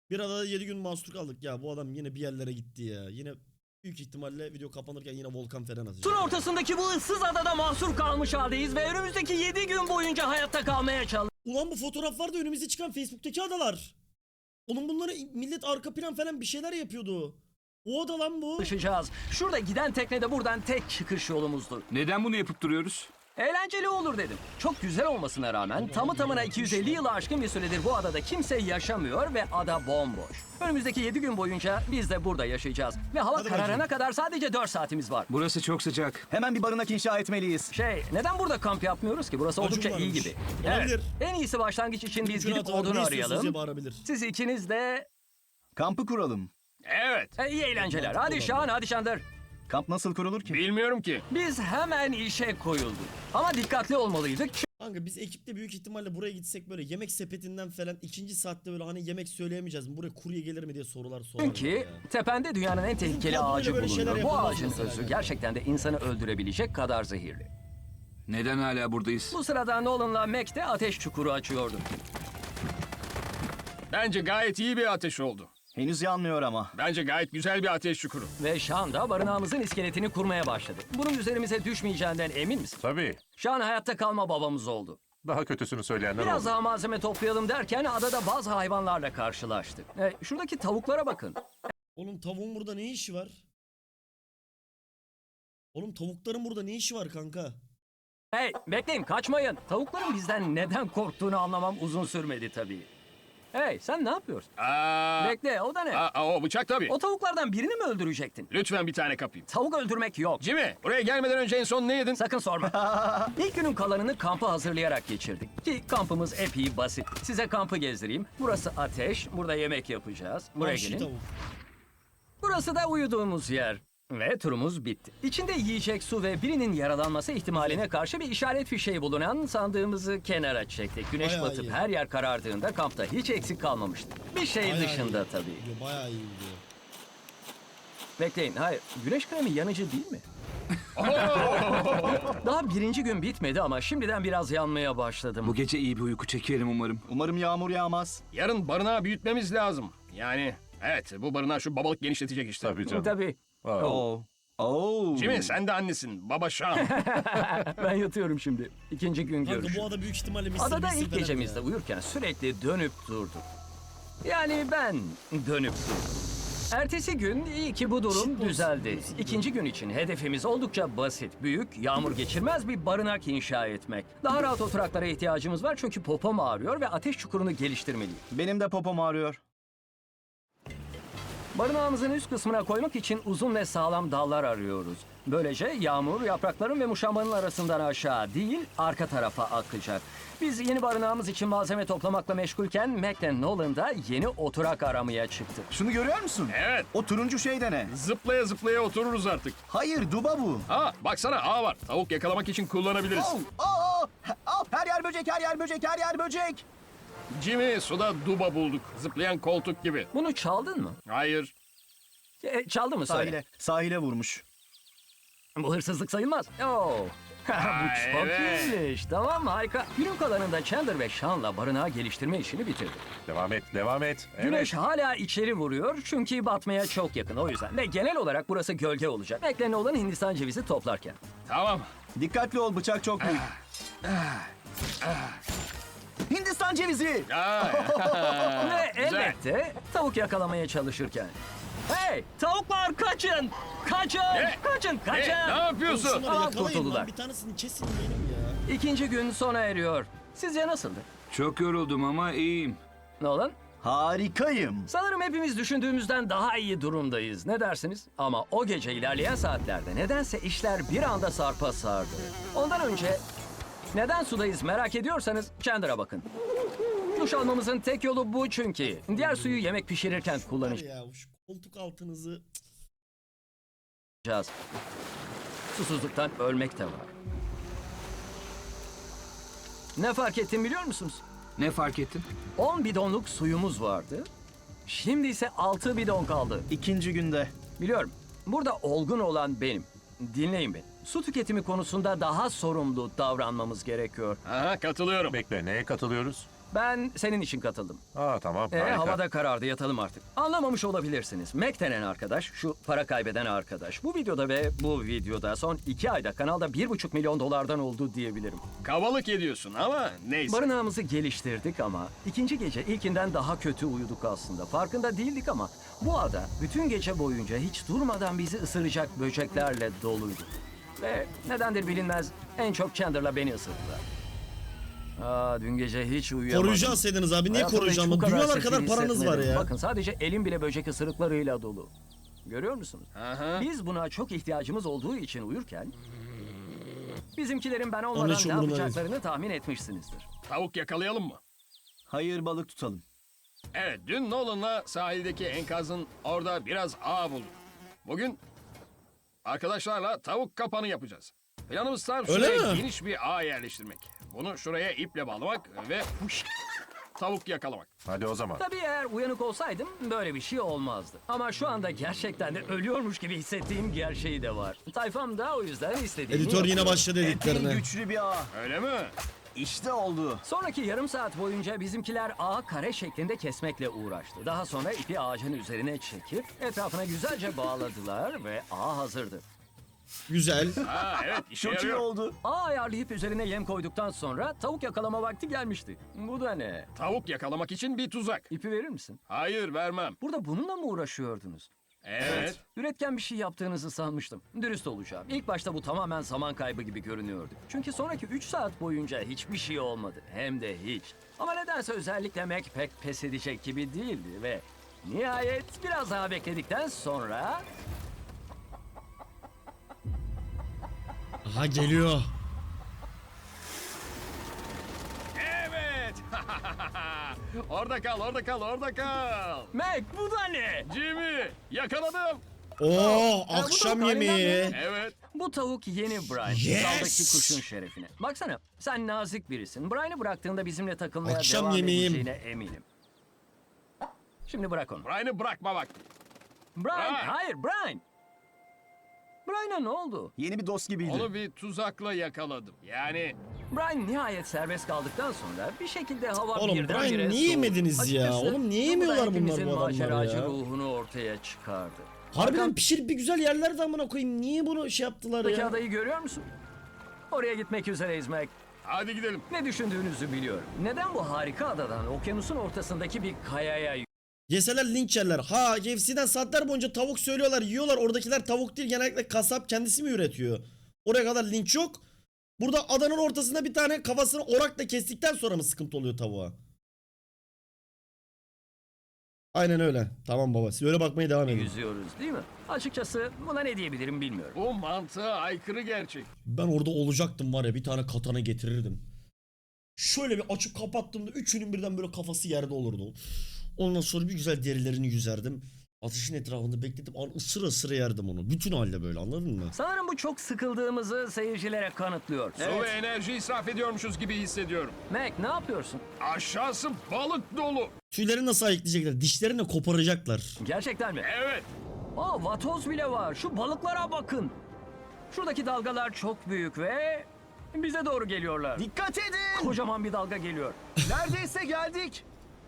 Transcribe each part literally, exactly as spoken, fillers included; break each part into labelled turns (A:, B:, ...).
A: Bir adada yedi gün mahsur kaldık ya. Bu adam yine bir yerlere gitti ya. Yine büyük ihtimalle video kapanırken yine volkan falan atacak.
B: Tur ortasındaki bu ıssız adada mahsur kalmış haldeyiz ve önümüzdeki yedi gün boyunca hayatta kalmaya
A: Ulan bu fotoğraflar da önümüze çıkan Facebook'taki adalar. Oğlum bunları millet arka plan falan bir şeyler yapıyordu. O ada lan bu.
B: çalışacağız. Şurada giden tekne de buradan tek çıkış yolumuzdu.
C: Neden bunu yapıp duruyoruz?
B: Eğlenceli olur dedim. Çok güzel olmasına rağmen tamı tamına iki yüz elli yılı aşkın bir süredir bu adada kimse yaşamıyor ve ada bomboş. Önümüzdeki yedi gün boyunca biz de burada yaşayacağız. Ve hava
A: Hadi
B: kararına
A: bakayım.
B: kadar sadece dört saatimiz var.
C: Burası çok sıcak.
D: Hemen bir barınak inşa etmeliyiz.
B: Şey, neden burada kamp yapmıyoruz ki? Burası
A: Acun
B: oldukça iyi
A: varmış.
B: gibi.
A: Olabilir.
B: En iyisi başlangıç için biz
A: Mümkün
B: gidip
A: hata var,
B: odun
A: ne istiyorsunuz
B: arayalım.
A: diye bağırabilir.
B: Siz ikiniz de
D: Kampı kuralım.
E: Evet.
B: e, iyi eğlenceler.
A: Mantıklı
B: Hadi
A: olan
B: Şahan, hadi Şandır.
D: Kamp nasıl kurulur ki?
E: Bilmiyorum ki.
B: Biz hemen işe koyulduk. Ama dikkatli olmalıydık.
A: Kanka biz ekiple büyük ihtimalle buraya gitsek böyle yemek sepetinden falan ikinci saatte böyle hani yemek söyleyemeyeceğiz mi? Buraya kurye gelir mi diye sorular sorarlar
B: Çünkü
A: ya.
B: tepende dünyanın en tehlikeli
A: kadroyla
B: ağacı
A: böyle şeyler
B: bulunuyor. Bu
A: yapılmaz
B: ağacın
A: mesela
B: özü
A: yani.
B: gerçekten de insanı öldürebilecek kadar zehirli.
C: Neden hala buradayız?
B: Bu sırada Nolan'la Mac de ateş çukuru açıyordu.
E: Bence gayet iyi bir ateş oldu.
D: Henüz yanmıyor ama.
E: Bence gayet güzel bir ateş çukuru.
B: Ve Şan da barınağımızın iskeletini kurmaya başladı. Bunun üzerimize düşmeyeceğinden emin misin?
F: Tabii.
B: Şan hayatta kalma babamız oldu.
F: Daha kötüsünü söyleyenler
B: Biraz
F: oldu.
B: daha malzeme toplayalım derken adada bazı hayvanlarla karşılaştık. E, şuradaki tavuklara bakın.
A: Oğlum tavuğun burada ne işi var? Oğlum tavukların burada ne işi var kanka?
B: Hey, bekleyin, kaçmayın. Tavukların bizden neden korktuğunu anlamam uzun sürmedi tabii. Hey, sen ne yapıyorsun?
E: Aa,
B: Bekle, o da ne?
E: aa, o bıçak tabii.
B: O tavuklardan birini mi öldürecektin?
E: Lütfen bir tane kapayım.
B: Tavuk öldürmek yok.
E: Jimmy, buraya gelmeden önce en son ne yedin?
B: Sakın sorma. İlk günün kalanını kampı hazırlayarak geçirdik. Ki kampımız epey basit. Size kampı gezdireyim. Burası ateş, burada yemek yapacağız. Buraya
A: Vahşi
B: gelin.
A: tavuk.
B: Burası da uyuduğumuz yer. Ve turumuz bitti. İçinde yiyecek, su ve birinin yaralanması ihtimaline karşı bir işaret fişeği bulunan sandığımızı kenara çektik. Güneş
A: Bayağı
B: batıp
A: iyi.
B: her yer karardığında kampta hiç eksik kalmamıştı. Bir şey
A: Bayağı
B: dışında
A: iyi.
B: tabii.
A: Video bayağı iyi video.
B: Bekleyin, hayır. Güneş kremi yanıcı değil mi? Daha birinci gün bitmedi ama şimdiden biraz yanmaya başladım.
C: Bu gece iyi bir uyku çekerim umarım.
D: Umarım yağmur yağmaz.
E: Yarın barınağı büyütmemiz lazım. Yani evet, bu barınağı şu babalık genişletecek işte.
F: Tabii canım.
B: Tabii.
F: Aa,
D: Oo. Oo.
E: Jimmy, sen de annesin. Baba Şan.
B: Ben yatıyorum şimdi. İkinci gün
A: Kanka
B: görüşürüz.
A: bu ada büyük ihtimalle Mısır
B: Adada
A: Mısır
B: ilk
A: falan
B: gecemizde
A: ya.
B: uyurken sürekli dönüp durduk. Yani ben dönüp durdum. Ertesi gün iyi ki bu durum
A: Shitpost.
B: düzeldi.
A: Nasıl
B: İkinci gün için hedefimiz oldukça basit. Büyük, yağmur geçirmez bir barınak inşa etmek. Daha rahat oturaklara ihtiyacımız var çünkü popom ağrıyor ve ateş çukurunu geliştirmeliyim.
D: Benim de popom ağrıyor.
B: Barınağımızın üst kısmına koymak için uzun ve sağlam dallar arıyoruz. Böylece yağmur yaprakların ve muşambanın arasından aşağı değil, arka tarafa akacak. Biz yeni barınağımız için malzeme toplamakla meşgulken Mac ile Nolan da yeni oturak aramaya çıktı.
D: Şunu görüyor musun?
E: Evet,
D: O turuncu şey de ne?
E: zıplaya zıplaya otururuz artık.
D: Hayır, duba bu.
E: Aa, baksana ağ var. Tavuk yakalamak için kullanabiliriz.
D: Oh, oh, oh, oh, her yer böcek, her yer böcek, her yer böcek.
E: Jimmy, suda duba bulduk. Zıplayan koltuk gibi.
B: Bunu çaldın mı?
E: Hayır.
B: E, çaldı mı söyle?
D: Sahile, sahile vurmuş.
B: Bu hırsızlık sayılmaz. Oo. Bu çok
E: evet.
B: iyiymiş. Tamam, harika. Günün kalanında Chandler ve Sean'la barınağı geliştirme işini bitirdi.
F: Devam et, devam et. Evet.
B: Güneş hala içeri vuruyor çünkü batmaya çok yakın o yüzden. Ve genel olarak burası gölge olacak. Beklen olan Hindistan cevizi toplarken.
E: Tamam.
D: Dikkatli ol, bıçak çok büyük. Hindistan cevizi.
E: Aa,
B: Ve
E: güzel.
B: elbette tavuk yakalamaya çalışırken. Hey, tavuklar kaçın! Kaçın!
E: Ne?
B: Kaçın!
E: Ne,
B: Kaçın!
E: ne
A: Oğlum
E: yapıyorsun?
A: şunları
B: Aa,
A: yakalayın
B: kurtuldular.
A: lan. Bir tanesini kesin benim ya.
B: İkinci gün sona eriyor. Sizce nasıldı?
C: Çok yoruldum ama iyiyim.
B: Nolan?
D: Harikayım.
B: Sanırım hepimiz düşündüğümüzden daha iyi durumdayız. Ne dersiniz? Ama o gece ilerleyen saatlerde nedense işler bir anda sarpa sardı. Ondan önce neden sudayız merak ediyorsanız Chandler'a bakın. Duş almamızın tek yolu bu çünkü. Diğer suyu yemek pişirirken
A: Var
B: kullanacağız.
A: ya şu koltuk altınızı.
B: Susuzluktan ölmek de var. Ne fark ettim biliyor musunuz?
C: Ne fark ettin?
B: on bidonluk suyumuz vardı. Şimdi ise altı bidon kaldı.
D: İkinci günde.
B: Biliyorum. Burada olgun olan benim. Dinleyin beni. Su tüketimi konusunda daha sorumlu davranmamız gerekiyor.
E: Aha, katılıyorum.
F: Bekle, neye katılıyoruz?
B: Ben senin için katıldım.
F: Aa tamam
B: Ee,
F: harika.
B: havada karardı, yatalım artık. Anlamamış olabilirsiniz. Mac denen arkadaş, şu para kaybeden arkadaş. Bu videoda ve bu videoda son iki ayda kanalda bir buçuk milyon dolardan oldu diyebilirim.
E: Kabalık ediyorsun ama neyse.
B: Barınağımızı geliştirdik ama ikinci gece ilkinden daha kötü uyuduk aslında. Farkında değildik ama bu ada bütün gece boyunca hiç durmadan bizi ısıracak böceklerle doluydu. Ve nedendir bilinmez en çok Chandler'la beni ısırdılar. Aa, dün gece hiç uyuyamadım.
A: Koruyucu alsaydınız abi. Niye
B: Hayatımda
A: koruyacağım?
B: hiç bu
A: Dünyalar
B: sefil
A: kadar paranız var
B: hissetmedim.
A: ya.
B: Bakın sadece elim bile böcek ısırıklarıyla dolu. Görüyor musunuz?
E: Aha.
B: Biz buna çok ihtiyacımız olduğu için uyurken bizimkilerin ben
A: Onun
B: olmadan
A: hiç
B: ne
A: umurumda değil.
B: yapacaklarını tahmin etmişsinizdir.
E: Tavuk yakalayalım mı?
D: Hayır, balık tutalım.
E: Evet, dün Nolan'la sahildeki enkazın orada biraz ağ bulduk. Bugün arkadaşlarla tavuk kapanı yapacağız. Planımız tam
A: Öyle
E: şuraya
A: mi?
E: geniş bir ağ yerleştirmek. Bunu şuraya iple bağlamak ve huş, tavuk yakalamak.
F: Hadi o zaman.
B: Tabii eğer uyanık olsaydım böyle bir şey olmazdı. Ama şu anda gerçekten de ölüyormuş gibi hissettiğim gerçeği de var. Tayfam da o yüzden istediğini
A: Editör yine
B: yapıyor.
A: başladı
D: Epey
A: editlerine.
D: güçlü bir ağ.
E: Öyle mi?
D: İşte oldu.
B: Sonraki yarım saat boyunca bizimkiler ağı kare şeklinde kesmekle uğraştı. Daha sonra ipi ağacın üzerine çekip etrafına güzelce bağladılar ve ağ hazırdı.
A: Güzel.
E: Ha evet, işe
D: Çok iyi
E: yarıyor.
D: oldu.
B: Ağ ayarlayıp üzerine yem koyduktan sonra tavuk yakalama vakti gelmişti. Bu da ne?
E: Tavuk yakalamak için bir tuzak.
B: İpi verir misin?
E: Hayır, vermem.
B: Burada bununla mı uğraşıyordunuz?
E: Evet.
B: Üretken bir şey yaptığınızı sanmıştım. Dürüst olacağım. İlk başta bu tamamen zaman kaybı gibi görünüyordu. Çünkü sonraki üç saat boyunca hiçbir şey olmadı. Hem de hiç. Ama nedense özellikle Mac pek pes edecek gibi değildi ve nihayet biraz daha bekledikten sonra
A: Aha geliyor.
E: Evet. Orada kal, orada kal, orada kal.
B: Mac bu da ne?
E: Jimmy, yakaladım.
A: Oo
B: bu
A: akşam
B: tavuk halinden
A: yemeği.
B: mi?
E: Evet.
B: Bu tavuk yeni Brian.
A: Yes!
B: Daldaki kuşun şerefine. Baksana sen nazik birisin. Brian'ı bıraktığında bizimle takılmaya
A: Akşam
B: devam
A: yemeğim.
B: edeceğine eminim. Şimdi bırak onu.
E: Brian'ı bırakma vakti.
B: Brian,
E: Brian!
B: hayır Brian. Brian'a ne oldu?
D: Yeni bir dost gibiydi.
E: Onu bir tuzakla yakaladım. Yani
B: Brian nihayet serbest kaldıktan sonra bir şekilde hava
A: Oğlum,
B: birdenbire
A: Brian niye
B: soğudu.
A: yemediniz ya?
B: Açıkçası
A: Oğlum niye
B: bu da
A: yemiyorlar bunlar
B: hepimizin
A: bu adamları
B: maceracı
A: ya?
B: ruhunu ortaya çıkardı.
A: Harbiden pişirip bir güzel yerlerde amına koyayım. Niye bunu şey yaptılar
B: Arkadaki
A: ya?
B: adayı görüyor musun? Oraya gitmek üzereyiz Mac.
E: hadi gidelim.
B: Ne düşündüğünüzü biliyorum. Neden bu harika adadan okyanusun ortasındaki bir kayaya
A: Yeseler linç yerler. Ha K F C'den saatler boyunca tavuk söylüyorlar yiyorlar. Oradakiler tavuk değil genellikle kasap kendisi mi üretiyor? Oraya kadar linç yok. Burada adanın ortasında bir tane kafasını orakla kestikten sonra mı sıkıntı oluyor tavuğa? Aynen öyle. Tamam baba. Siz öyle bakmaya devam edin.
B: yüzüyoruz değil mi? Açıkçası buna ne diyebilirim bilmiyorum.
E: Bu mantığa aykırı gerçek.
A: Ben orada olacaktım var ya bir tane katana getirirdim. Şöyle bir açıp kapattığımda üçünün birden böyle kafası yerde olurdu. Ondan sonra bir güzel derilerini yüzerdim. Ateşin etrafında bekledim. An ısıra ısıra yerdim onu. Bütün halde böyle anladın mı?
B: Sanırım bu çok sıkıldığımızı seyircilere kanıtlıyor.
E: Su ve enerji israf ediyormuşuz gibi hissediyorum.
B: Mac ne yapıyorsun?
E: Aşağısı balık dolu.
A: Tüylerini nasıl ayıklayacaklar? Dişlerini koparacaklar.
B: Gerçekten mi?
E: Evet.
B: Aa vatoz bile var. Şu balıklara bakın. Şuradaki dalgalar çok büyük ve bize doğru geliyorlar.
D: Dikkat edin.
B: Kocaman bir dalga geliyor.
D: Neredeyse geldik.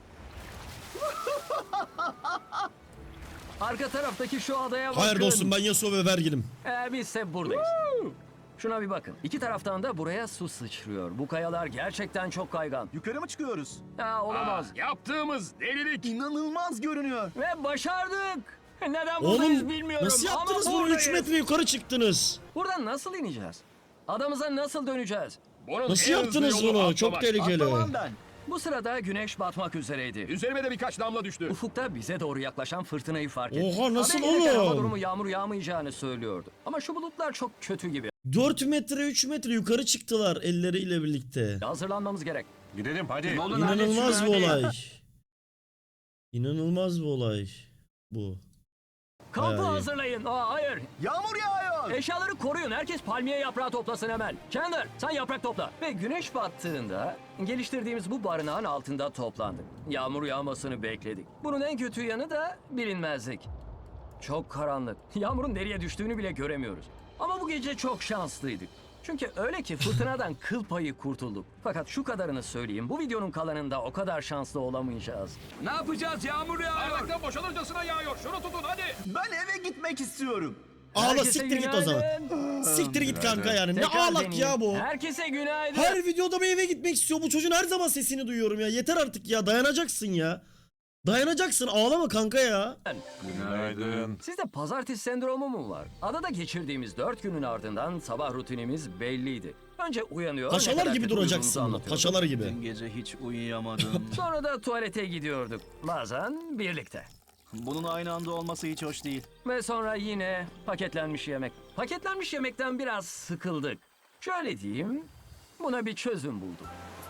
B: Arka taraftaki şu adaya bakın.
A: Hayır dostum ben Yasuo ve Vergil'im.
B: Ee, bizse buradayız. Şuna bir bakın. İki taraftan da buraya su sıçrıyor. Bu kayalar gerçekten çok kaygan.
D: Yukarı mı çıkıyoruz?
B: Ha, olamaz.
E: Aa, yaptığımız delilik.
D: İnanılmaz görünüyor.
B: Ve başardık. Neden buradayız
A: Oğlum
B: bilmiyorum.
A: nasıl yaptınız
B: ama
A: bunu? üç
B: buradayız.
A: metre yukarı çıktınız.
B: Buradan nasıl ineceğiz? Adamıza nasıl döneceğiz?
E: Bunun
A: Nasıl
E: en hızlı
A: yaptınız
E: yolu
A: bunu? Çok
E: atlamak.
A: tehlikeli.
D: Atlamam ben.
B: Bu sırada güneş batmak üzereydi.
E: Üzerime de birkaç damla düştü.
B: Ufukta bize doğru yaklaşan fırtınayı fark ettim.
A: Oha, nasıl
B: Haber gelirken
A: oğlum?
B: Hava durumu yağmur yağmayacağını söylüyordu. Ama şu bulutlar çok kötü gibi.
A: dört metre üç metre yukarı çıktılar elleriyle birlikte.
B: Hazırlanmamız gerek.
F: Gidelim hadi.
A: İnanılmaz bir olay. İnanılmaz bir olay bu.
B: Kampı
A: Bayağı iyi.
B: hazırlayın. Aa, hayır.
D: Yağmur yağıyor.
B: Eşyaları koruyun. Herkes palmiye yaprağı toplasın hemen. Chandler sen yaprak topla. Ve güneş battığında geliştirdiğimiz bu barınağın altında toplandık. Yağmur yağmasını bekledik. Bunun en kötü yanı da bilinmezlik. Çok karanlık. Yağmurun nereye düştüğünü bile göremiyoruz. Ama bu gece çok şanslıydık. Çünkü öyle ki fırtınadan kıl payı kurtulduk. Fakat şu kadarını söyleyeyim. Bu videonun kalanında o kadar şanslı olamayacağız.
C: Ne yapacağız? Yağmur yağıyor.
E: Bardaktan boşalırcasına yağıyor. Şunu tutun hadi.
D: Ben eve gitmek istiyorum.
A: Ağla
B: Herkese
A: siktir git o zaman.
B: günaydın.
A: Siktir git kanka yani. Ne
B: Tekrar
A: ağlak
B: deneyeyim.
A: ya bu.
B: Herkese günaydın.
A: Her videoda bir eve gitmek istiyor. Bu çocuğun her zaman sesini duyuyorum ya. Yeter artık ya. Dayanacaksın ya. Dayanacaksın. Ağlama kanka ya.
F: Günaydın.
B: Sizde pazartesi sendromu mu var? Adada geçirdiğimiz dört günün ardından sabah rutinimiz belliydi. Önce uyanıyor. ne
A: Paşalar
B: kadar
A: gibi
B: kötü
A: duracaksın.
B: uyuduğumuzu
A: bak,
B: anlatıyorduk.
A: Paşalar gibi.
D: Dün gece hiç uyuyamadım.
B: Sonra da tuvalete gidiyorduk. Bazen birlikte.
D: Bunun aynı anda olması hiç hoş değil.
B: Ve sonra yine paketlenmiş yemek. Paketlenmiş yemekten biraz sıkıldık. Şöyle diyeyim, buna bir çözüm bulduk.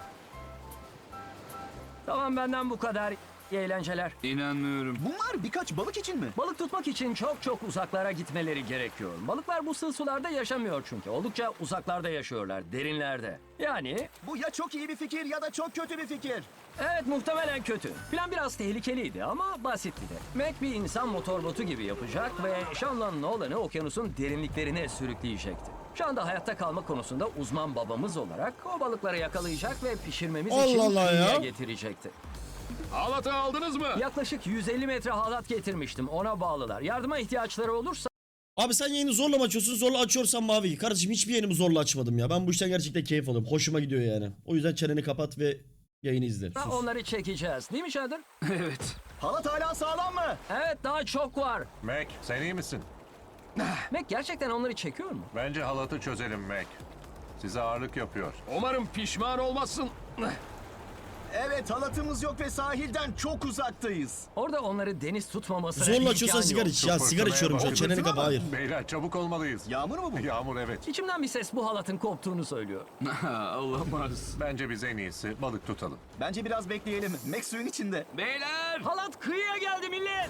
B: Tamam, benden bu kadar. İyi eğlenceler.
C: İnanmıyorum.
D: Bunlar birkaç balık için mi?
B: Balık tutmak için çok çok uzaklara gitmeleri gerekiyor. Balıklar bu sığ sularda yaşamıyor çünkü. Oldukça uzaklarda yaşıyorlar, derinlerde. Yani
D: Bu ya çok iyi bir fikir ya da çok kötü bir fikir.
B: evet, muhtemelen kötü. Plan biraz tehlikeliydi ama basitti de. Mac bir insan motorbotu gibi yapacak ve Sean'la Nolan'ı okyanusun derinliklerine sürükleyecekti. Şu anda hayatta kalma konusunda uzman babamız olarak o balıkları yakalayacak ve pişirmemiz için
A: Allah Allah ya.
B: kıyıya getirecekti.
E: Halatı aldınız mı?
B: Yaklaşık yüz elli metre halat getirmiştim, ona bağlılar. Yardıma ihtiyaçları olursa
A: Abi sen yayını zorla mı açıyorsun? Zorla açıyorsan mavi. Kardeşim hiçbir yayınımı zorla açmadım ya. Ben bu işten gerçekten keyif alıyorum. Hoşuma gidiyor yani. O yüzden çeneni kapat ve yayını izle. Sus.
B: onları çekeceğiz. Değil mi Shader?
C: Evet.
D: Halat hala sağlam mı?
B: Evet, daha çok var.
F: Mac, sen iyi misin?
B: Mac gerçekten onları çekiyor mu?
F: Bence halatı çözelim Mac. Size ağırlık yapıyor.
E: Umarım pişman olmazsın.
D: Evet, halatımız yok ve sahilden çok uzaktayız.
B: Orada onları deniz tutmamasına
A: Zorla
B: imkan
A: açıyorsan
B: yok.
A: sigara iç. Ya
F: Şu
A: sigara
F: fırtınaya
A: içiyorum şu an.
F: bak.
A: Çeneni
D: Fırtına
A: kapa.
D: mı?
A: Hayır.
F: Beyler çabuk olmalıyız.
D: Yağmur mu bu?
F: Yağmur evet.
B: İçimden bir ses bu halatın koptuğunu söylüyor.
C: Olamaz.
F: Bence biz en iyisi balık tutalım.
D: Bence biraz bekleyelim. Max suyun içinde.
C: Beyler!
B: Halat kıyıya geldi millet.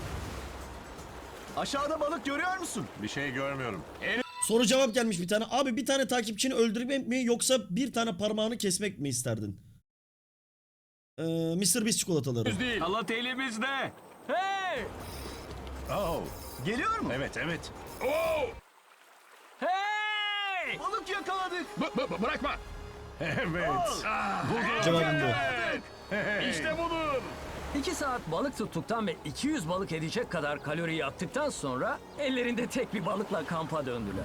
D: Aşağıda balık görüyor musun?
F: Bir şey görmüyorum.
A: Soru cevap gelmiş bir tane. Abi bir tane takipçini öldürmek mi yoksa bir tane parmağını kesmek mi isterdin? Ee, mister Beast çikolataları.
E: Düz değil.
C: Halat elimizde.
B: Hey!
F: Oh,
D: Geliyor mu?
F: evet evet.
E: Oo!
B: Hey!
D: Balık yakaladık.
E: B- b- bırakma.
F: Evet.
A: Cevabım bu.
E: Evet. İşte budur.
B: İki saat balık tuttuktan ve iki yüz balık edecek kadar kalori yaktıktan sonra ellerinde tek bir balıkla kampa döndüler.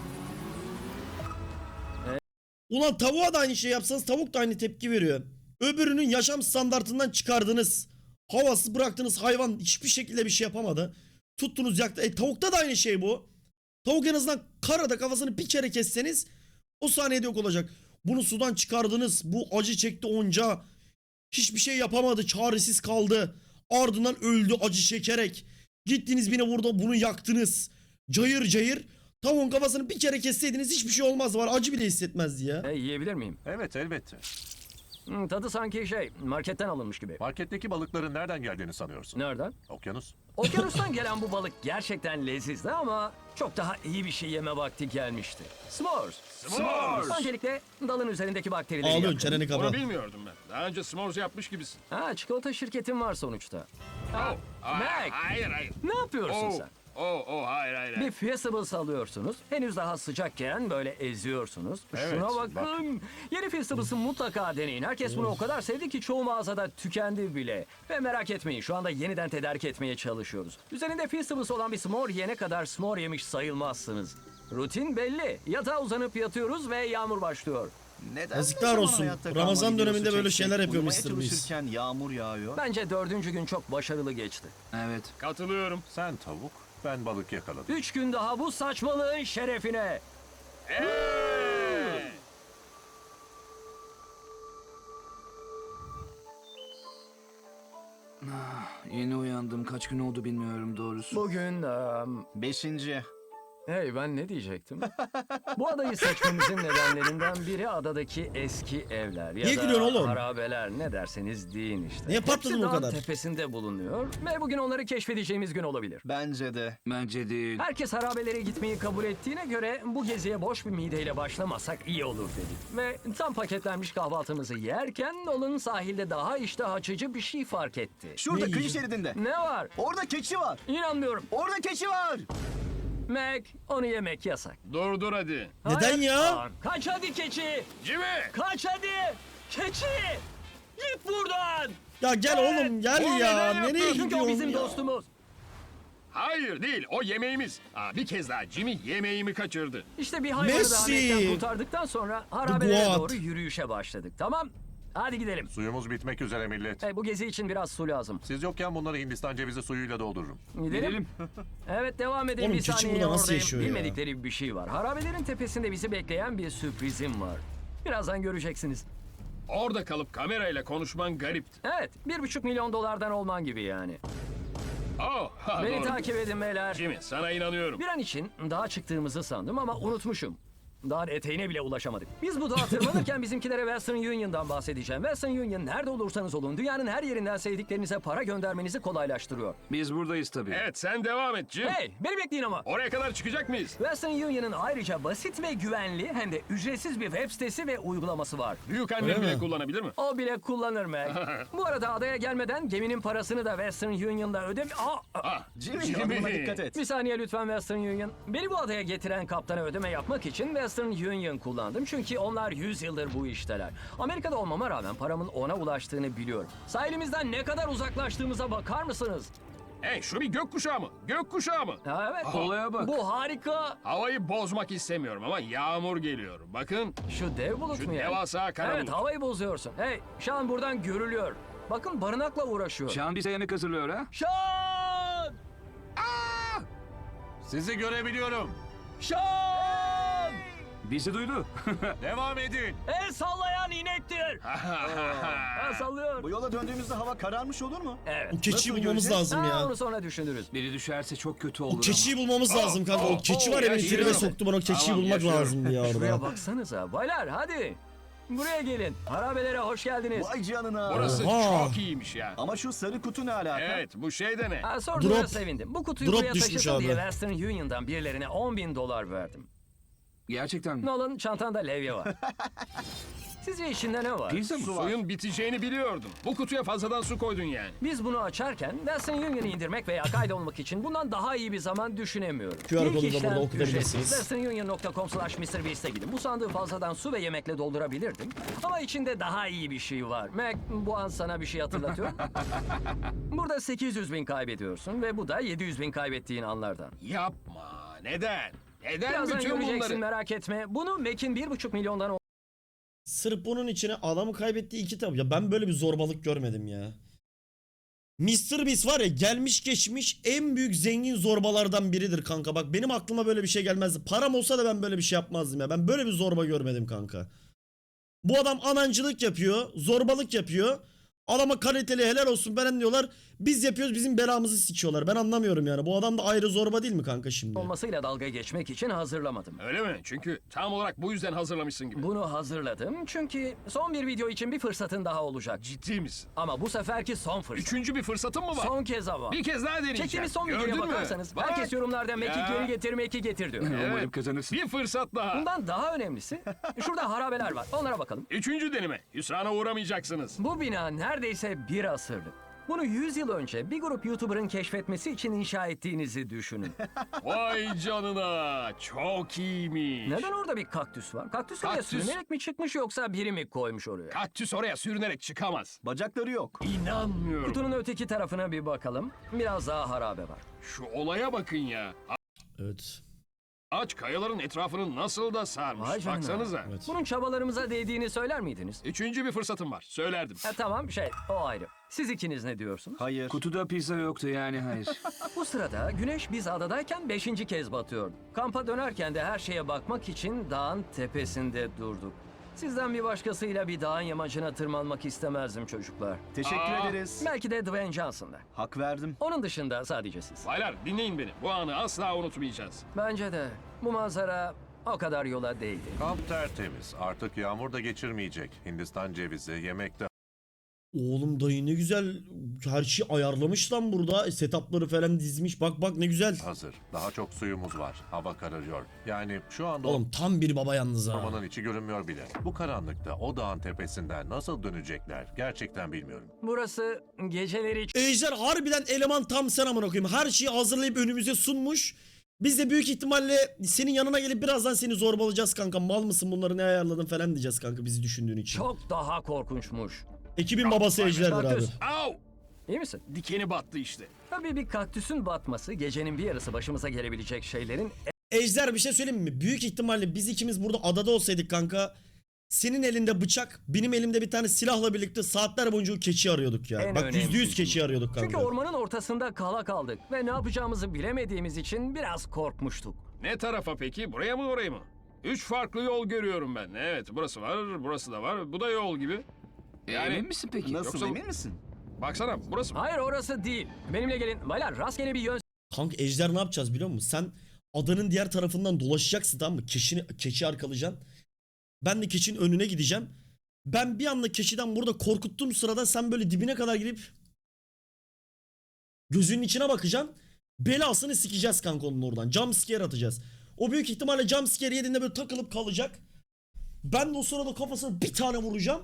A: Ulan tavuğa da aynı şey yapsanız tavuk da aynı tepki veriyor. Öbürünün yaşam standartından çıkardınız. Havası bıraktınız, hayvan hiçbir şekilde bir şey yapamadı. Tuttunuz yaktı. E tavukta da aynı şey bu. Tavuk en azından karada kafasını bir kere kesseniz o saniyede yok olacak. Bunu sudan çıkardınız. Bu acı çekti onca. Hiçbir şey yapamadı. Çaresiz kaldı. Ardından öldü acı çekerek. Gittiniz birine burada bunu yaktınız. Cayır cayır. Tavuğun kafasını bir kere kesseydiniz hiçbir şey olmazdı. Var acı bile hissetmezdi ya.
B: Hey, yiyebilir miyim?
F: Evet elbette.
B: Hmm, tadı sanki şey, marketten alınmış gibi.
F: Marketteki balıkların nereden geldiğini sanıyorsun?
B: Nereden?
F: Okyanus.
B: Okyanustan gelen bu balık gerçekten lezizdi ama çok daha iyi bir şey yeme vakti gelmişti. S'mores.
E: S'mores.
B: Öncelikle dalın üzerindeki bakterileri
A: Ağlıyorsun
B: yakın.
A: çeneni kapa.
E: Onu bilmiyordum ben. Daha önce s'mores yapmış gibisin.
B: Ha, çikolata şirketin var sonuçta. Ha,
E: Oh. Aa,
B: Mac,
E: Hayır hayır.
B: ne yapıyorsun
E: Oh.
B: sen?
E: Oh, oh, hayır hayır.
B: Bir
E: hayır.
B: Feastables alıyorsunuz. Henüz daha sıcakken böyle eziyorsunuz.
F: Evet,
B: Şuna bakın. Yeni Feastables'ı mutlaka deneyin. Herkes bunu o kadar sevdi ki çoğu mağazada tükendi bile. Ve merak etmeyin, şu anda yeniden tedarik etmeye çalışıyoruz. Üzerinde Feastables olan bir s'more yene kadar s'more yemiş sayılmazsınız. Rutin belli. Yatağa uzanıp yatıyoruz ve yağmur başlıyor.
D: Neden
A: Yazıklar
D: ne zaman
A: olsun.
D: hayatta kalma
A: Ramazan
D: videosu
A: döneminde böyle
D: çeksek,
A: şeyler yapıyor
D: uyumaya
A: mister Beast.
D: çalışırken yağmur yağıyor.
B: Bence dördüncü gün çok başarılı geçti.
C: Evet.
E: Katılıyorum.
F: Sen tavuk, ben balık yakaladım.
B: Üç gün daha bu saçmalığın şerefine.
E: Hey!
C: Yeni uyandım. Kaç gün oldu bilmiyorum doğrusu.
B: Bugün... em,
D: Beşinci.
B: Hey, ben ne diyecektim? Bu adayı seçmemizin nedenlerinden biri adadaki eski evler ya
A: Niye
B: da
A: gülüyorsun oğlum?
B: harabeler, ne derseniz deyin işte.
A: Niye patladın
B: Hepsi
A: o
B: dağın
A: kadar?
B: tepesinde bulunuyor ve bugün onları keşfedeceğimiz gün olabilir.
D: Bence de.
C: Bence değil.
B: Herkes harabelere gitmeyi kabul ettiğine göre bu geziye boş bir mideyle başlamasak iyi olur dedik. Ve tam paketlenmiş kahvaltımızı yerken Nolan sahilde daha iştah açıcı bir şey fark etti.
D: Şurada
A: Ne
D: kıyı
A: yiyeceğim?
D: şeridinde.
B: Ne var?
D: Orada keçi var.
B: İnanmıyorum.
D: Orada keçi var.
B: Mac, onu yemek yasak.
E: Dur dur hadi.
A: Neden
B: Hayır.
A: ya?
B: Aa, kaç hadi keçi.
E: Jimmy!
B: Kaç hadi. Keçi. Git buradan.
A: Ya gel oğlum gel
E: Oğlum,
A: ya.
E: neden yaptın?
A: Nereye
B: Çünkü o
A: gidiyorsun
B: bizim
A: ya?
B: dostumuz.
E: Hayır değil, o yemeğimiz. Aa, bir kez daha Jimmy yemeğimi kaçırdı.
B: İşte bir hayvanı
A: Messi.
B: da hareketten kurtardıktan sonra harabelere
A: Goat.
B: doğru yürüyüşe başladık. Tamam. Hadi gidelim.
F: Suyumuz bitmek üzere millet.
B: Hey, bu gezi için biraz su lazım.
F: Siz yokken bunları Hindistan cevizi suyuyla doldururum.
B: Gidelim. Evet, devam edelim.
A: Oğlum,
B: Bir
A: keçi
B: saniye
A: burada nasıl
B: oradayım.
A: yaşıyor ya?
B: Bilmedikleri bir şey var. Harabelerin tepesinde bizi bekleyen bir sürprizim var. Birazdan göreceksiniz.
E: Orada kalıp kamerayla konuşman garipti.
B: Evet, bir buçuk milyon dolardan olman gibi yani.
E: Oh, ha,
B: Beni
E: doğru.
B: takip edin beyler.
E: Jimmy, sana inanıyorum.
B: Bir an için dağa çıktığımızı sandım ama unutmuşum. Dağın eteğine bile ulaşamadık. Biz bu dağa tırmanırken bizimkilere Western Union'dan bahsedeceğim. Western Union nerede olursanız olun dünyanın her yerinden sevdiklerinize para göndermenizi kolaylaştırıyor.
C: Biz buradayız tabii.
E: Evet, sen devam et Jim.
B: Hey, beni bekleyin ama.
E: Oraya kadar çıkacak mıyız?
B: Western Union'ın ayrıca basit ve güvenli hem de ücretsiz bir web sitesi ve uygulaması var.
E: Büyük annem
A: Öyle
E: bile
A: mi?
E: kullanabilir mi?
B: O bile kullanır Mac. Bu arada adaya gelmeden geminin parasını da Western Union'da ödem... Aa,
E: Ah,
D: Jimmy, adımına dikkat et.
B: bir saniye lütfen Western Union. Beni bu adaya getiren kaptana ödeme yapmak için Western Union kullandım. Çünkü onlar yüz yıldır bu işteler. Amerika'da olmama rağmen paramın ona ulaştığını biliyorum. Sahilimizden ne kadar uzaklaştığımıza bakar mısınız?
E: Hey, şu bir gökkuşağı mı? Gökkuşağı mı?
B: Ha, evet.
C: Olaya bak.
B: Bu harika.
E: Havayı bozmak istemiyorum ama yağmur geliyor. Bakın,
B: Şu dev bulut
E: şu
B: mu yani?
E: devasa kara
B: Evet,
E: bulut.
B: havayı bozuyorsun. Hey, Şan buradan görülüyor. Bakın barınakla uğraşıyor.
C: Şan bize yemek hazırlıyor ha.
B: Şan!
F: Sizi görebiliyorum.
B: Şan!
C: Bizi duydu.
F: Devam edin.
B: El sallayan inektir. Ha, sallıyor.
D: Bu yola döndüğümüzde hava kararmış olur mu?
B: Evet.
A: O keçiyi
D: Nasıl
A: bulmamız
D: göreceğiz?
A: lazım
B: Ha,
A: ya.
B: onu sonra düşünürüz.
C: Biri düşerse çok kötü olur
A: O keçiyi bulmamız lazım kanka. O keçi
E: oh,
A: var ya beni
E: yaşıyorum.
A: tribe soktu, bana o keçiyi
E: Tamam,
A: bulmak
E: yaşıyorum.
A: lazımdı ya
B: Şuraya
A: orada.
B: baksanıza. Baylar hadi. Buraya gelin. Harabelere hoş geldiniz.
D: Vay canına.
E: Burası
A: Oha.
E: çok iyiymiş ya.
D: Ama şu sarı kutu ne alaka?
E: Evet, bu şey de ne?
B: Ha, sorduğuna
A: Drop.
B: sevindim. Bu kutuyu
A: Drop
B: buraya
A: düşmüş
B: taşısın diye
A: abi.
B: Western Union'dan birilerine on bin dolar verdim.
C: Gerçekten mi?
B: Nolan, çantanda levye var. Sizce içinde ne var?
C: Pizza mı?
E: Suyun biteceğini biliyordum. Bu kutuya fazladan su koydun yani.
B: Biz bunu açarken Western Union'ı indirmek veya kaydolmak için bundan daha iyi bir zaman düşünemiyorum.
A: Q R
B: İlk
A: kodu da
B: işlem
A: burada okutabilirsiniz.
B: ücretsiz. western union nokta com slash mister beast'e gidin. Bu sandığı fazladan su ve yemekle doldurabilirdim. Ama içinde daha iyi bir şey var. Mac, bu an sana bir şey hatırlatıyor. Burada sekiz yüz bin kaybediyorsun ve bu da yedi yüz bin kaybettiğin anlardan.
E: Yapma. Neden? Neden
B: Birazdan
E: bütün
B: göreceksin,
E: bunları?
B: merak etme. Bunu Mac'in bir buçuk milyondan
A: Sırf bunun içine adamı kaybettiği iki tabi. Ya ben böyle bir zorbalık görmedim ya. mister Beast var ya, gelmiş geçmiş en büyük zengin zorbalardan biridir kanka. Bak benim aklıma böyle bir şey gelmezdi. Param olsa da ben böyle bir şey yapmazdım ya. Ben böyle bir zorba görmedim kanka. Bu adam anancılık yapıyor, zorbalık yapıyor. Adama kaliteli helal olsun veren diyorlar. Biz yapıyoruz, bizim belamızı sikiyorlar. Ben anlamıyorum yani. Bu adam da ayrı zorba değil mi kanka şimdi?
B: olmasıyla dalga geçmek için hazırlamadım.
E: Öyle mi? Çünkü tam olarak bu yüzden hazırlamışsın gibi.
B: Bunu hazırladım çünkü son bir video için bir fırsatın daha olacak.
E: Ciddi misin?
B: Ama bu seferki son fırsat.
E: Üçüncü bir fırsatın mı var?
B: Son kez ama.
E: Bir kez daha deneyeceğim.
B: Çektiğimiz son
E: Gördün
B: videoya
E: mü?
B: bakarsanız
E: Bak.
B: herkes yorumlarda Mac'i
E: Ya.
B: geri getir, Mac'i getir diyor.
C: Umarım
E: Evet.
C: kazanırsın.
E: Bir fırsat daha.
B: Bundan daha önemlisi şurada harabeler var. Onlara bakalım.
E: Üçüncü deneme. Hüsrana uğramayacaksınız.
B: Bu bina neredeyse bir asırlık. Bunu yüz yıl önce bir grup YouTuber'ın keşfetmesi için inşa ettiğinizi düşünün.
E: Vay canına. Çok iyiymiş.
B: Neden orada bir kaktüs var? Kaktüs oraya
E: Kaktüs.
B: sürünerek mi çıkmış yoksa biri mi koymuş oraya?
E: Kaktüs oraya sürünerek çıkamaz.
D: Bacakları yok.
E: İnanmıyorum.
B: Kutunun öteki tarafına bir bakalım. Biraz daha harabe var.
E: Şu olaya bakın ya.
A: Evet.
E: Ağaç kayaların etrafını nasıl da sarmış.
B: Vay canına.
E: Baksanıza.
A: Evet.
B: Bunun çabalarımıza değdiğini söyler miydiniz?
E: Üçüncü bir fırsatım var. Söylerdim.
B: E, tamam şey o ayrı. Siz ikiniz ne diyorsunuz?
D: Hayır.
C: Kutuda pizza yoktu yani hayır.
B: Bu sırada güneş biz adadayken beşinci kez batıyordu. Kampa dönerken de her şeye bakmak için dağın tepesinde durduk. Sizden bir başkasıyla bir dağın yamacına tırmanmak istemezdim çocuklar.
D: Teşekkür
E: Aa.
D: ederiz.
B: Belki de Dwayne Johnson'da.
D: Hak verdim.
B: Onun dışında sadece siz.
E: Baylar dinleyin beni. Bu anı asla unutmayacağız.
B: Bence de bu manzara o kadar yola değdi.
F: Kamp tertemiz. Artık yağmur da geçirmeyecek. Hindistan cevizi, yemekte
A: Oğlum dayı ne güzel her şeyi ayarlamış lan burada. E, setupları falan dizmiş. Bak bak ne güzel.
F: hazır. Daha çok suyumuz var. Hava kararıyor. Yani şu anda
A: Oğlum tam bir baba yalnız ha.
F: ormanın içi görünmüyor bile. Bu karanlıkta o dağın tepesinden nasıl dönecekler gerçekten bilmiyorum.
B: Burası geceleri
A: Ejder harbiden eleman tam sen amına koyayım. Her şeyi hazırlayıp önümüze sunmuş. Biz de büyük ihtimalle senin yanına gelip birazdan seni zorbalayacağız kanka. Mal mısın, bunları ne ayarladın falan diyeceğiz kanka bizi düşündüğün için.
B: Çok daha korkunçmuş.
A: Ekibin babası Ejder'dir abi.
B: Kaktüs.
E: Au!
B: İyi misin?
E: Dikeni battı işte.
B: Tabii bir kaktüsün batması gecenin bir yarısı başımıza gelebilecek şeylerin
A: Ejder bir şey söyleyeyim mi? Büyük ihtimalle biz ikimiz burada adada olsaydık kanka. Senin elinde bıçak, benim elimde bir tane silahla birlikte saatler boyunca o keçi arıyorduk ya.
B: En
A: Bak yüzde yüz
B: önemlisi.
A: keçi arıyorduk kanka.
B: Çünkü ormanın ortasında kala kaldık ve ne yapacağımızı bilemediğimiz için biraz korkmuştuk.
E: Ne tarafa peki? Buraya mı oraya mı? Üç farklı yol görüyorum ben. Evet, burası var, burası da var. Bu da yol gibi. Yani-
C: Emin misin peki?
D: Nasıl,
E: Yoksa-
D: emin misin?
E: Baksana, burası mı?
B: Hayır orası değil. Benimle gelin. Baylar rastgele bir yön
A: Kanka Ejder ne yapacağız biliyor musun? Sen adanın diğer tarafından dolaşacaksın, tamam mı? Keçini, keçi arkalayacaksın. Ben de keçinin önüne gideceğim. Ben bir anda keçiden burada korkuttuğum sırada sen böyle dibine kadar girip gözünün içine bakacaksın. Belasını sikeceğiz kanka onun oradan. Jump scare atacağız. O büyük ihtimalle jump scare yediğinde böyle takılıp kalacak. Ben de o sırada kafasına bir tane vuracağım.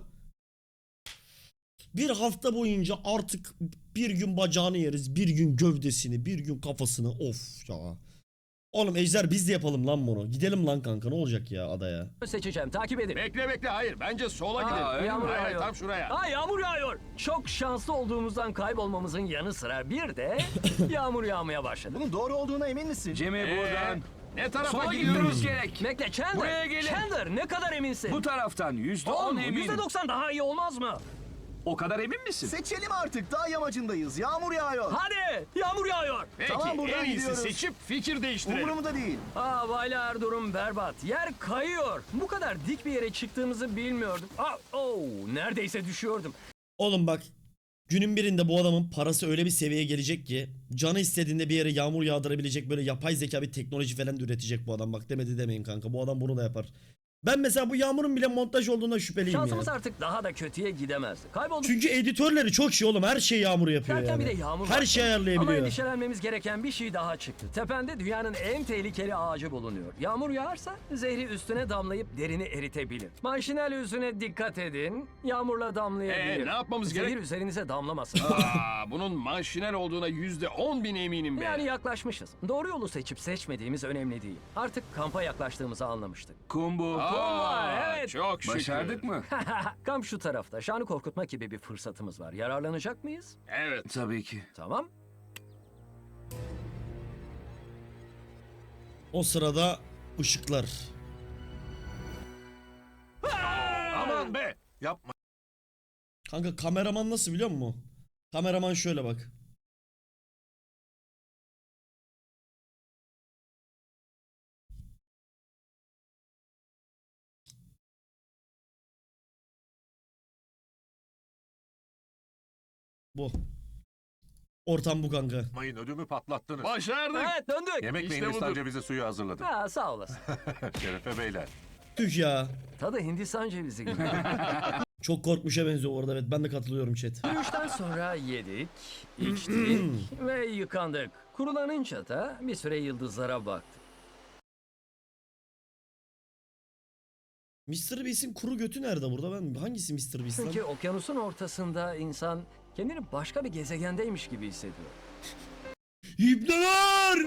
A: Bir hafta boyunca artık bir gün bacağını yeriz, bir gün gövdesini, bir gün kafasını. Of ya. Oğlum Ejder biz de yapalım lan bunu. Gidelim lan kanka, ne olacak ya adaya.
B: seçeceğim. Takip edin.
E: Bekle bekle, hayır. Bence sola
B: Aa,
E: gidelim.
B: yağmur
E: Hayır,
B: yağıyor.
E: tam şuraya.
B: Aa yağmur yağıyor. Çok şanslı olduğumuzdan kaybolmamızın yanı sıra bir de yağmur yağmaya başladı.
D: Bunun doğru olduğuna emin misin?
C: Cemil
E: Ee,
C: buradan.
E: ne tarafa
C: Sola
E: gidiyoruz?
C: gitmemiz gerek.
B: Bekle Chandler.
C: Buraya gelin.
B: Chandler ne kadar eminsin?
C: Bu taraftan yüzde on
B: Oğlum
C: eminim.
B: yüzde doksan daha iyi olmaz mı?
C: O kadar emin misin?
D: Seçelim artık. Dağ yamacındayız. Yağmur yağıyor.
B: Hadi yağmur yağıyor.
E: Peki,
D: Tamam, buradan
E: en iyisi
D: gidiyoruz.
E: seçip fikir değiştirelim.
D: Umurumda değil.
B: Aa baylar durum berbat. Yer kayıyor. Bu kadar dik bir yere çıktığımızı bilmiyordum. Aa, oh, neredeyse düşüyordum.
A: Oğlum bak, günün birinde bu adamın parası öyle bir seviyeye gelecek ki canı istediğinde bir yere yağmur yağdırabilecek böyle yapay zeka bir teknoloji falan da üretecek bu adam. Bak demedi demeyin kanka, bu adam bunu da yapar. Ben mesela bu yağmurun bile montaj olduğuna şüpheliyim
B: Şansımız
A: ya.
B: artık daha da kötüye gidemezdi. Kaybolduk.
A: Çünkü editörleri çok şey oğlum, her şey yağmur yapıyor
B: Derken
A: yani.
B: bir de yağmur
A: Her
B: var.
A: şeyi
B: Ama
A: ayarlayabiliyor.
B: endişelenmemiz gereken bir şey daha çıktı. Tepende dünyanın en tehlikeli ağacı bulunuyor. Yağmur yağarsa zehri üstüne damlayıp derini eritebilir. Manşinel yüzüne dikkat edin. Yağmurla damlayabilir.
E: Ee, ne yapmamız
B: Zehir
E: gerek?
B: üzerinize damlamasın.
E: Aa, bunun manşinel olduğuna yüzde on bin eminim ben.
B: Yani yaklaşmışız. Doğru yolu seçip seçmediğimiz önemli değil. Artık kampa yaklaştığımızı anlamıştık.
C: Kumbu.
E: Aa,
B: evet.
E: Çok şükür.
C: Başardık mı?
B: Kamp şu tarafta. Şanı korkutma gibi bir fırsatımız var. Yararlanacak mıyız?
E: Evet.
C: Tabii ki.
B: Tamam.
A: O sırada ışıklar.
E: Aman be.
F: Yapma.
A: Kanka kameraman nasıl biliyor musun? Kameraman şöyle bak. Bu. Ortam bu kanka.
F: Mayın ödümü patlattınız.
E: Başardık.
B: Evet döndük.
F: Yemek
E: İşte
F: ve Hindistan
E: budur.
F: cevizi suyu hazırladım.
B: Ha, sağ olasın.
F: Şerefe beyler.
A: Tüh ya.
B: Tadı Hindistan cevizi gibi.
A: Çok korkmuşa benziyor orada, evet ben de katılıyorum chat.
B: Yürüyüşten sonra yedik, içtik ve yıkandık. Kurulanınca da bir süre yıldızlara baktık.
A: mister Beast'in kuru götü nerede burada? Ben hangisi mister Beast lan?
B: Çünkü okyanusun ortasında insan kendini başka bir gezegendeymiş gibi hissediyor.
A: İbneler!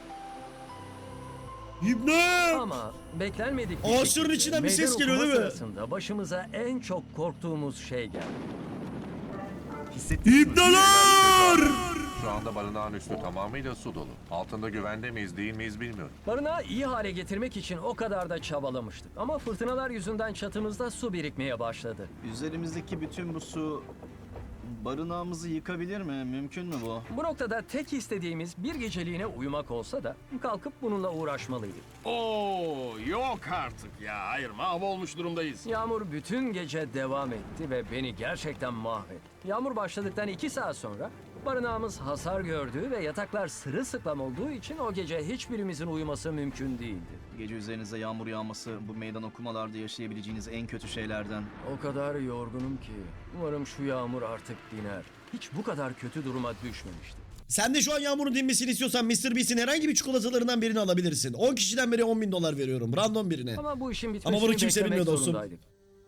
A: İbne!
B: Ama beklenmedik bir
A: Ağaçların
B: şekilde
A: içinden bir ses
B: meydan
A: geliyor,
B: okuma
A: değil mi?
B: sırasında başımıza en çok korktuğumuz şey geldi.
D: Hissettiniz mi?
A: İbneler!
F: Şu anda barınağın üstü tamamıyla su dolu. Altında güvende miyiz değil miyiz bilmiyorum.
B: Barınağı iyi hale getirmek için o kadar da çabalamıştık. Ama fırtınalar yüzünden çatımızda su birikmeye başladı.
D: Üzerimizdeki bütün bu su barınağımızı yıkabilir mi? Mümkün mü bu?
B: Bu noktada tek istediğimiz bir geceliğine uyumak olsa da kalkıp bununla uğraşmalıydık.
E: Oo, yok artık ya. Hayır, mahvolmuş durumdayız.
B: Yağmur bütün gece devam etti ve beni gerçekten mahvetti. Yağmur başladıktan iki saat sonra barınağımız hasar gördü ve yataklar sırılsıklam olduğu için o gece hiçbirimizin uyuması mümkün değildi.
D: Gece üzerinize yağmur yağması bu meydan okumalarda yaşayabileceğiniz en kötü şeylerden.
B: O kadar yorgunum ki umarım şu yağmur artık diner. Hiç bu kadar kötü duruma düşmemiştim.
A: Sen de şu an yağmurun dinmesini istiyorsan mister Beast'in herhangi bir çikolatalarından birini alabilirsin. on kişiden beri on bin dolar veriyorum. Random birine.
B: Ama bu işin
A: Ama
B: bitmesini
A: bunu kimse
B: beklemek
A: bilmiyor dostum.
B: zorundaydık.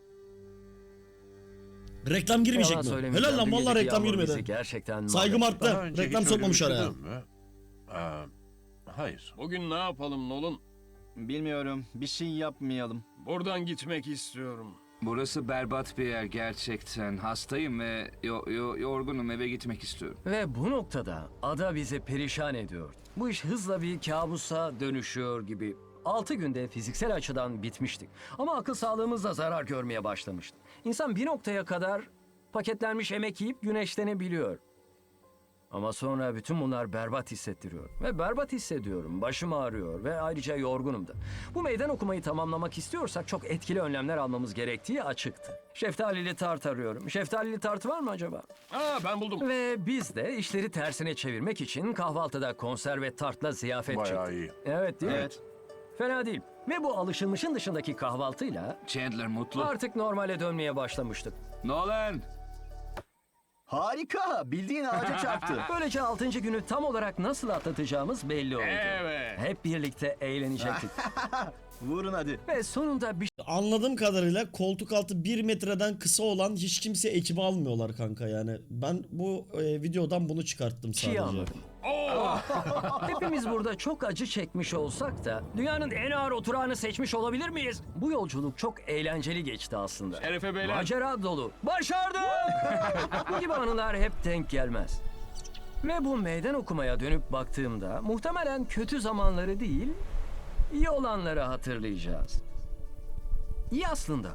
A: Reklam girmeyecek
B: Yalan
A: mi?
B: söylemeyeceğim,
A: Helal lan
B: dün
A: vallahi
B: geceki
A: reklam
B: yağmur bizi
A: girmedi.
B: gerçekten
A: Saygım
B: mahvetti.
A: arttı.
F: Daha önce
A: Reklam
F: hiç öyle
A: sokmamış araya.
F: üşüdün mü? Ee, hayır.
E: Bugün ne yapalım Nolan?
D: Bilmiyorum. Bir şey yapmayalım.
E: Buradan gitmek istiyorum.
C: Burası berbat bir yer gerçekten. Hastayım ve yo- yo- yorgunum, eve gitmek istiyorum.
B: Ve bu noktada ada bizi perişan ediyor. Bu iş hızla bir kabusa dönüşüyor gibi. Altı günde fiziksel açıdan bitmiştik. Ama akıl sağlığımız da zarar görmeye başlamıştı. İnsan bir noktaya kadar paketlenmiş yemek yiyip güneşlenebiliyor. Ama sonra bütün bunlar berbat hissettiriyor. Ve berbat hissediyorum. Başım ağrıyor ve ayrıca yorgunum da. Bu meydan okumayı tamamlamak istiyorsak çok etkili önlemler almamız gerektiği açıktı. Şeftalili tart arıyorum. Şeftalili tart var mı acaba?
E: Aa ben buldum.
B: Ve biz de işleri tersine çevirmek için kahvaltıda konserve tartla ziyafet
F: Bayağı
B: çektik.
F: iyi.
B: Evet değil mi?
D: Evet.
B: Fena değil. Ve bu alışılmışın dışındaki kahvaltıyla
C: Chandler mutlu.
B: artık normale dönmeye başlamıştık.
C: Nolan!
D: Harika. Bildiğin ağaca çarptı.
B: Böylece altıncı günü tam olarak nasıl atlatacağımız belli oldu.
E: Evet.
B: Hep birlikte eğlenecektik.
D: Vurun hadi.
B: Ve sonunda bir
A: Anladığım kadarıyla koltuk altı bir metreden kısa olan hiç kimse ekibi almıyorlar kanka yani. Ben bu e, videodan bunu çıkarttım
B: şey
A: sadece.
B: anladım. Hepimiz burada çok acı çekmiş olsak da dünyanın en ağır oturağını seçmiş olabilir miyiz? Bu yolculuk çok eğlenceli geçti aslında.
E: Şerefe beyler.
B: Macera dolu. Başardım! Bu gibi anılar hep denk gelmez. Ve bu meydan okumaya dönüp baktığımda muhtemelen kötü zamanları değil, iyi olanları hatırlayacağız. İyi aslında.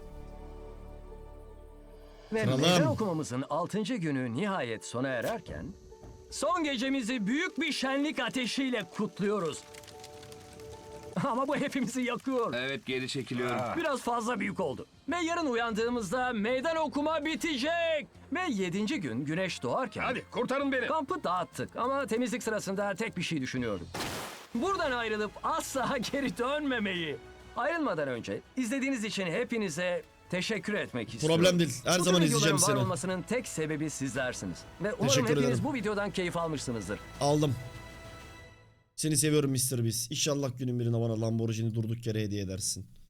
B: Ve
A: Kralım.
B: meydan okumamızın altıncı günü nihayet sona ererken son gecemizi büyük bir şenlik ateşiyle kutluyoruz. Ama bu hepimizi yakıyor.
C: Evet, geri çekiliyorum.
B: Biraz fazla büyük oldu. Ve yarın uyandığımızda meydan okuma bitecek. Ve yedinci gün güneş doğarken
E: Hadi kurtarın beni.
B: kampı dağıttık. Ama temizlik sırasında tek bir şey düşünüyordum. Buradan ayrılıp asla geri dönmemeyi. Ayrılmadan önce izlediğiniz için hepinize teşekkür etmek istiyorum.
A: Problem değil. Her
B: Bu tür
A: zaman
B: videoların
A: izleyeceğim
B: var
A: seni.
B: olmasının tek sebebi sizlersiniz. Ve umarım
A: Teşekkür
B: hepiniz
A: ederim.
B: bu videodan keyif almışsınızdır.
A: Aldım. Seni seviyorum mister Beast. İnşallah günün birine bana Lamborghini durduk yere hediye edersin.